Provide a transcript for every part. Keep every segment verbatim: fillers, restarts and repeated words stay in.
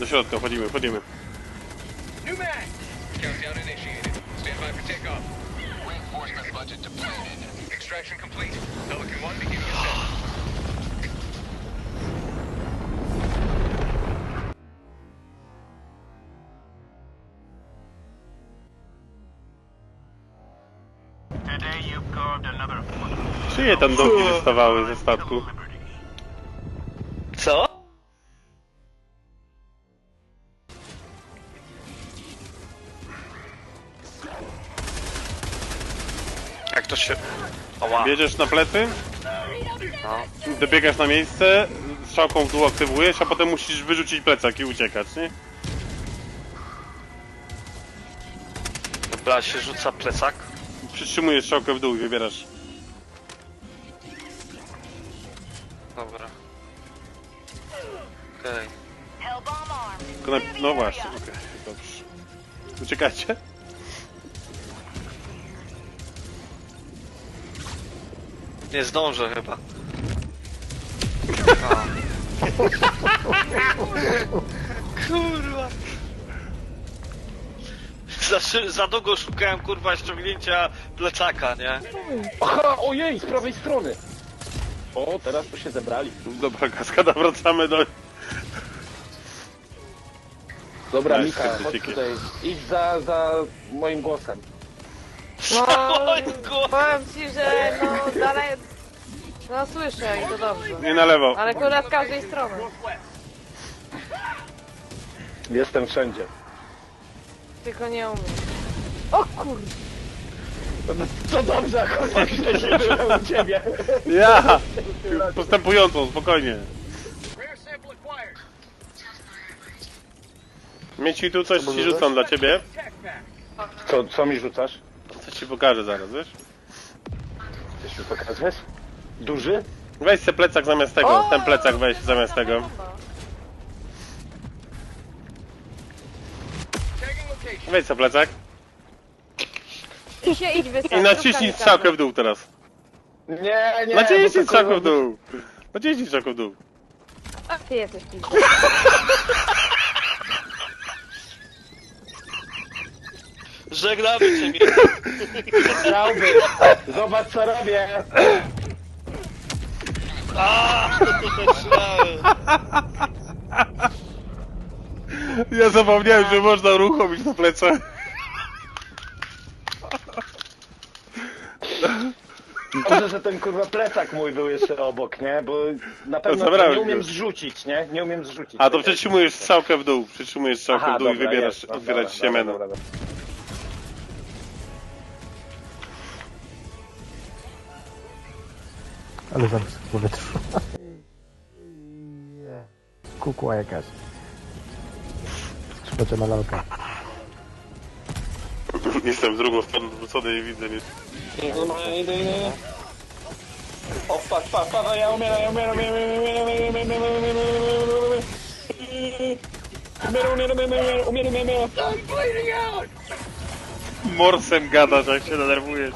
Do środka, wchodzimy, wchodzimy. Countdown initiated. Stand by for takeoff. Reinforcement budget depleted. Extraction complete. Pelican one beginning ascent. Czyje tam doki wystawały ze statku? Co? Jak to się... Ała. Bierzesz na plecy, No. dobiegasz na miejsce, strzałką w dół aktywujesz, a potem musisz wyrzucić plecak i uciekać, nie? Dobra, się rzuca plecak. Przytrzymujesz strzałkę w dół i wybierasz. Dobra. Okej. Tylko na... No właśnie, okej, okay, dobrze. Uciekajcie. Nie zdążę chyba. Kurwa. Za, szy- za długo szukałem kurwa ściągnięcia plecaka, nie? Aha, ojej, z prawej strony! O, teraz tu się zebrali. Dobra, kaskada, wracamy do... Dobra, Nice, Mika, chodź krytyki. tutaj. Idź za, za moim głosem. No, Ojku. powiem ci, że no dalej... No słyszę i to dobrze. Nie na lewo. Ale kurwa z każdej strony. Jestem wszędzie. Tylko nie umiem. O kurde! To dobrze, akurat że byłem u ciebie. Ja! Postępującą, spokojnie. Mieci, tu coś ci rzucam dla ciebie. Co, co mi rzucasz? Coś ci pokażę zaraz, wiesz? Chcesz mi pokazać? Duży? Weź se plecak zamiast tego, ten plecak weź zamiast tego. Weź se plecak I się idź wystarczy. i naciśnij strzałkę w dół teraz. Nie, nie. Naciśnij bo to strzałkę w kurwa- dół. Naciśnij strzałkę w dół. A ty jesteś pizda. Żegnamy cię, Chciałby. Zobacz co robię. Ja zapomniałem, że można uruchomić na plecach. Dobrze, że ten kurwa plecak mój był jeszcze obok, nie? Bo na pewno zabrałeś nie umiem go. zrzucić, nie? Nie umiem zrzucić. A to przytrzymujesz strzałkę w dół, przytrzymujesz strzałkę Aha, w dół i dobra, wybierasz, jest. No, otwierać dobra, się menu. dobra, dobra. Ale zamysł w powietrzu. Kukła jakaś. Skrzypeczę na lalkę. Jestem z drugą stroną odwrócony i widzę, nie? Idę, idę, idę. O, patrz, patrz, patrz, ja umieram, ja umieram, ja umieram, umieram, umieram, umieram, umieram, umieram, umieram, umieram, umieram, umieram. Morsem gadasz, jak się denerwujesz.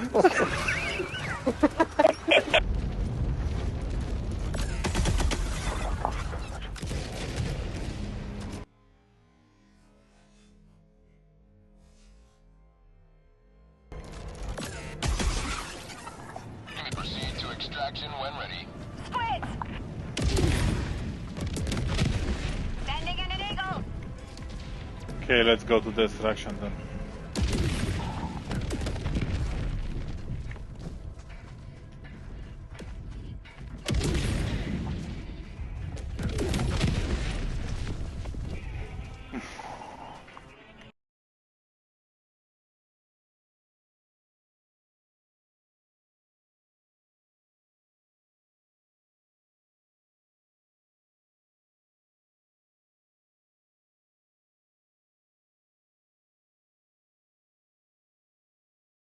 Proceed to extraction when ready. Okay, let's go to the extraction then.